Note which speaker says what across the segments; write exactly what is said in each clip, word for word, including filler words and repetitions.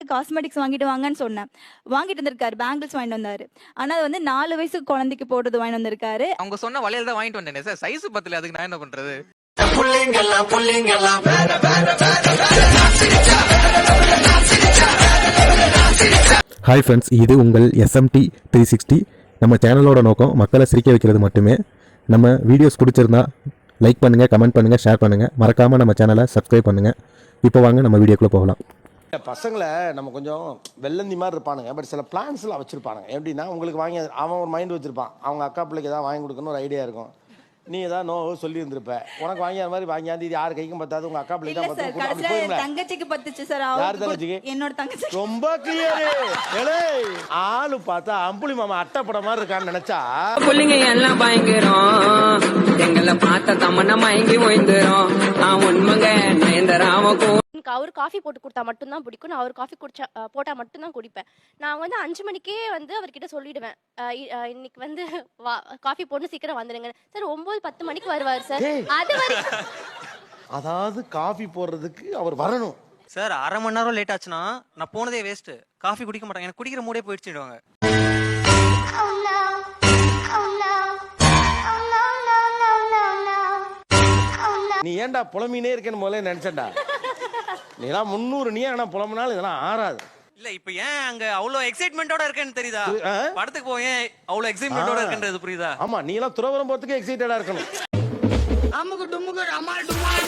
Speaker 1: Cosmetics வாங்கிட்டு வாங்கன்னு சொன்னேன். வாங்கிட்டு வந்திருக்காரு. பேங்கிள்ஸ் வாங்கிட்டு வந்தாரு. ஆனா அது வந்து நாலு வயசு குழந்தைக்கு போடுறது வாங்கிட்டு வந்திருக்காரு.
Speaker 2: அவங்க சொன்ன வளையல் தான் வாங்கிட்டு வந்தேனே சார். சைஸ் பத்தல, அதுக்கு நான் என்ன பண்றது?
Speaker 3: ஹாய் ஃப்ரெண்ட்ஸ், இது உங்கள் எஸ்எம்டி த்ரீ சிக்ஸ்டி. நம்ம சேனலோட நோக்கம் மக்களை சிரிக்க வைக்கிறது மட்டுமே. நம்ம வீடியோஸ் பிடிச்சிருந்தா லைக் பண்ணுங்கள், கமெண்ட் பண்ணுங்கள், ஷேர் பண்ணுங்கள். மறக்காமல் நம்ம சேனலை சப்ஸ்கிரைப் பண்ணுங்கள். இப்போ வாங்க நம்ம வீடியோக்குள்ளே போகலாம்.
Speaker 4: பசங்களை நம்ம கொஞ்சம் வெள்ளந்தி மாதிரி இருப்பானுங்க. பட் சில பிளான்ஸ்லாம் வச்சுருப்பானுங்க. எப்படின்னா, உங்களுக்கு வாங்கி அவன் ஒரு மைண்ட் வச்சுருப்பான். அவங்க அக்கா பிள்ளைக்கு எதாவது வாங்கி கொடுக்கணும்னு ஒரு ஐடியா இருக்கும். நீ ஏதாவது நோ சொல்லி இருந்திருப்ப. உனக்கு வாங்கி அது மாதிரி வாங்கியாந்து இது யார் கைக்கும் பத்தாது, உங்க அக்கா பிள்ளை தான் பத்து.
Speaker 1: தங்கச்சிக்கு பத்துச்சு சார்.
Speaker 4: யார் தங்கச்சிக்கு?
Speaker 1: என்னோட தங்கச்சி.
Speaker 4: ரொம்ப கிளியர். ஆளு பார்த்தா அம்புலி மாமா அட்டைப்பட மாதிரி இருக்கான்னு நினைச்சா
Speaker 5: புள்ளிங்க எல்லாம் பயங்கரம். எங்களை பார்த்த தமன்னா மயங்கி ஓய்ந்துரும். நான் உண்மைங்க நயந்தராமக்கும்
Speaker 6: அவர் காஃபி போட்டு கொடுத்தா மட்டும்தான் பிடிக்கும். நான் அவர் காஃபி குடிச்சா போட்டா மட்டும்தான் குடிப்பேன். நான் வந்து அஞ்சு மணிக்கே வந்து அவர்கிட்ட சொல்லிடுவேன், இன்னைக்கு வந்து காஃபி போட்டு சீக்கிரம் வந்துடுங்க சார். ஒன்பது பத்து மணிக்கு வருவார் சார். அது வரைக்கும்
Speaker 4: அதாவது காஃபி போடுறதுக்கு அவர் வரணும்
Speaker 2: சார். அரை மணி நேரம் லேட் ஆச்சுன்னா நான் போனதே வேஸ்ட். காஃபி குடிக்க மாட்டாங்க. எனக்கு குடிக்கிற மூடே போயிடுச்சுடுவாங்க.
Speaker 4: நீ ஏன்டா புலம்பினே இருக்கேன்னு முதல்ல நினைச்சேன்டா. நீலாம் முன்னூறு நீ ஆனா புலம்புனாலும் இதெல்லாம் ஆறாது.
Speaker 2: இல்ல இப்ப ஏன் அங்க அவ்வளவு எக்ஸைட்மெண்டோட இருக்கேன்னு தெரியுதா? படத்துக்கு போய் ஏன் அவ்வளவு எக்ஸைட்மெண்டோட இருக்கன்றது புரியுதா?
Speaker 4: ஆமா, நீ எல்லாம் துறவரம் போறதுக்கு எக்ஸைட்டடா இருக்கணும்.
Speaker 5: அம்முக்கு டும்முக்கு அம்மாள் டும்மாள்.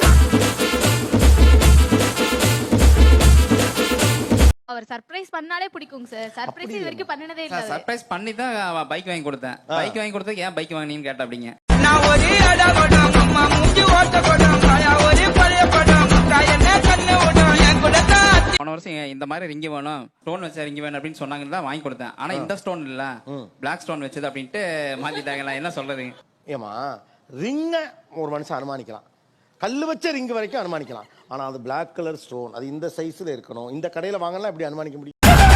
Speaker 7: அவர் சர்ப்ரைஸ் பண்ணாலே பிடிக்குங்க சார். சர்ப்ரைஸ் இது வரைக்கும் பண்ணனதே இல்ல.
Speaker 8: சர்ப்ரைஸ் பண்ணி தான் பைக் வாங்கி கொடுத்தேன். பைக் வாங்கி கொடுத்ததுக்கு ஏன் பைக் வாங்கினீன்னு கேட்டா அப்படிங்க.
Speaker 5: நான் ஒரே அடா படம் அம்மா மூஞ்சி ஓட்ட படம் காயா ஒரே பழைய படம் என்ன கண்ணு ஓடும் என் கூட தான். போன வருஷம் இந்த மாதிரி ரிங்கி வேணும், ஸ்டோன் வச்ச ரிங்கி வேணும் அப்படின்னு சொன்னாங்கன்னு தான் வாங்கி கொடுத்தேன். ஆனா இந்த ஸ்டோன் இல்ல, பிளாக் ஸ்டோன் வச்சது அப்படின்ட்டு மாத்திட்டாங்களா? என்ன சொல்றது?
Speaker 4: ஏமா, ரிங்க ஒரு மனுஷன் அனுமானிக்கலாம், கல்லு வச்ச ரிங்கு வரைக்கும் அனுமானிக்கலாம். ஆனா அது பிளாக் கலர் ஸ்டோன், அது இந்த சைஸ்ல இருக்கணும், இந்த கடையில வாங்கலாம் எப்படி அனுமானிக்க முடியும்?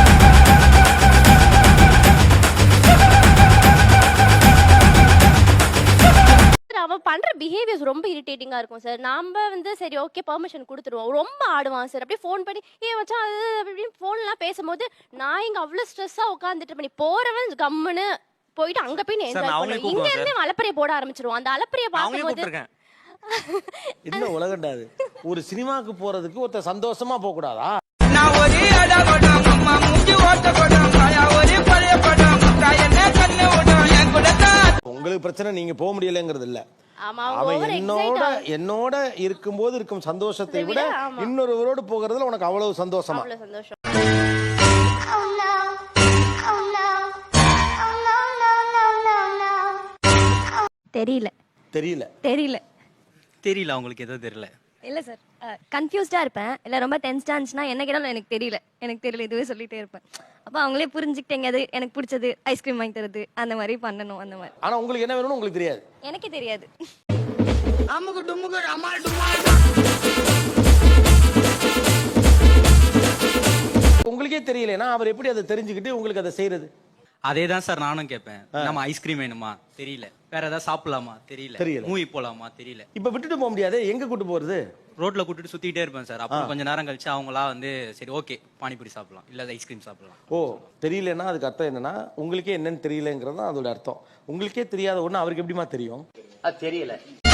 Speaker 6: அவன் பண்ற பிஹேவியர்ஸ் ரொம்ப இரிட்டேட்டிங்கா இருக்கும் சார். நாம வந்து சரி ஓகே பெர்மிஷன் கொடுத்துருவோம். ரொம்ப ஆடுவான் சார். அப்படியே ஃபோன் பண்ணி ஏ வச்சா அது அப்படின்னு ஃபோன்லாம் பேசும்போது நான் இங்க அவ்வளவு ஸ்ட்ரெஸ்ஸா உட்காந்துட்டு பண்ணி போறவன் கம்முன்னு போயிட்டு அங்க போய் என்ஜாய் பண்ணுவேன். இங்க இருந்து அலப்பறைய போட ஆரம்பிச்சிருவோம். அந்த அலப்பறைய பார்க்கும்போது
Speaker 4: என்ன உலகண்டாது. ஒரு சினிமாக்கு போறதுக்கு ஒருத்தர் சந்தோஷமா போக கூடாதா?
Speaker 5: நான் ஒரே அடா படம் அம்மா மூஞ்சி ஓட்ட படம் காயா ஒரே பழைய படம் என்ன கண்ணு ஓடும் என் கூட தான்.
Speaker 4: உங்களுக்கு பிரச்சனை நீங்க போக முடியலங்கிறது இல்ல.
Speaker 6: அவன்
Speaker 4: என்னோட என்னோட இருக்கும்போது இருக்கும் சந்தோஷத்தை விட இன்னொருவரோடு போகிறதுல உனக்கு அவ்வளவு சந்தோஷமா?
Speaker 6: சந்தோஷம்.
Speaker 1: தெரியல
Speaker 4: தெரியல
Speaker 1: தெரியல
Speaker 2: தெரியல. உங்களுக்கு எதுவும் தெரியல?
Speaker 1: இல்ல சார், கன்ஃபியூஸ்டா இருப்பேன். இல்ல ரொம்ப டென்ஸ்டா இருந்துச்சுன்னா என்ன கேட்டாலும் எனக்கு தெரியல எனக்கு தெரியல இதுவே சொல்லிட்டே இருப்பேன். அப்ப அவங்களே புரிஞ்சுக்கிட்டேங்க அது எனக்கு பிடிச்சது ஐஸ்கிரீம் வாங்கி தருது அந்த மாதிரி பண்ணணும். அந்த மாதிரி.
Speaker 4: ஆனா உங்களுக்கு என்ன வேணும்னு உங்களுக்கு தெரியாது?
Speaker 1: எனக்கே தெரியாது.
Speaker 5: அம்முக்கு டும்முக்கு அம்மாள் டும்மாள்.
Speaker 4: உங்களுக்கே தெரியலனா அவர் எப்படி அதை தெரிஞ்சுக்கிட்டு உங்களுக்கு அதை செய்யறது?
Speaker 2: அதே தான் சார் நானும் கேட்பேன். நம்ம ஐஸ்கிரீம் வேணுமா? தெரியல. வேற ஏதாவது சாப்பிடலாமா? தெரியல.
Speaker 4: தெரியல.
Speaker 2: மூவி போலாமா? தெரியல.
Speaker 4: இப்ப விட்டுட்டு போக முடியாது. எங்க கூட்டு போறது?
Speaker 2: ரோட்ல கூட்டிட்டு சுத்திட்டே இருப்பேன் சார். அப்புறம் கொஞ்ச நேரம் கழிச்சு அவங்களா வந்து சரி ஓகே பானிபூரி சாப்பிடலாம், இல்ல ஐஸ்கிரீம் சாப்பிடலாம்.
Speaker 4: ஓ, தெரியலன்னா அதுக்கு அர்த்தம் என்னன்னா உங்களுக்கே என்னன்னு தெரியலங்கிறது தான் அதோட அர்த்தம். உங்களுக்கே தெரியாத ஒண்ணு அவருக்கு எப்படிமா தெரியும்?
Speaker 9: அது தெரியல.